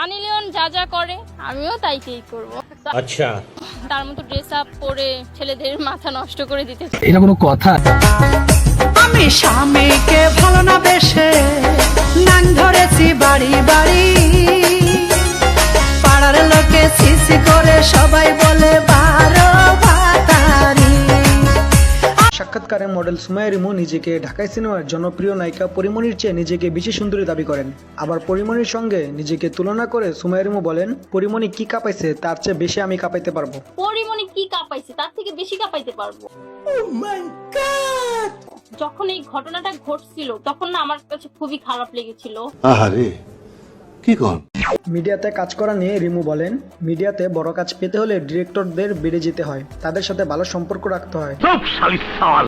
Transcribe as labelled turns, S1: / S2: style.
S1: Sunny Leone যা যা করে আমিও তাই করব।
S2: আচ্ছা,
S1: তার মতো ড্রেস আপ পরে ছেলেদের মাথা নষ্ট করে দিতে।
S3: এটা কোনো কথা?
S4: আমি স্বামীকে ভালো না বেশে নাং ধরেছি বাড়ি বাড়ি, পাড়ার লোকে সিসি করে সবাই বলে বারো ভাতারি।
S5: সাক্ষাৎকারে মডেল সুমাইয়া রিমু নিজেকে ঢাকাই সিনেমার জনপ্রিয় নায়িকা পরিমণির চেয়ে নিজেকে বেশি সুন্দরী দাবি করেন। আবার পরিমণির সঙ্গে নিজেকে তুলনা করে সুমাইয়া রিমু বলেন, পরিমণি কি কাঁপাইছে তার চেয়ে বেশি আমি কাঁপাইতে পারবো।
S1: পরিমণি কি কাঁপাইছে তার থেকে বেশি কাঁপাইতে পারবো। যখন এই ঘটনাটা ঘটছিল তখন না আমার কাছে খুবই খারাপ লেগেছিল।
S6: আহারে কি কর।
S5: মিডিয়াতে কাজ করা নিয়ে রিমু বলেন, মিডিয়াতে বড় কাজ পেতে হলে ডিরেক্টরদের বেড়ে যেতে হয়, তাদের সাথে ভালো সম্পর্ক রাখতে হয়।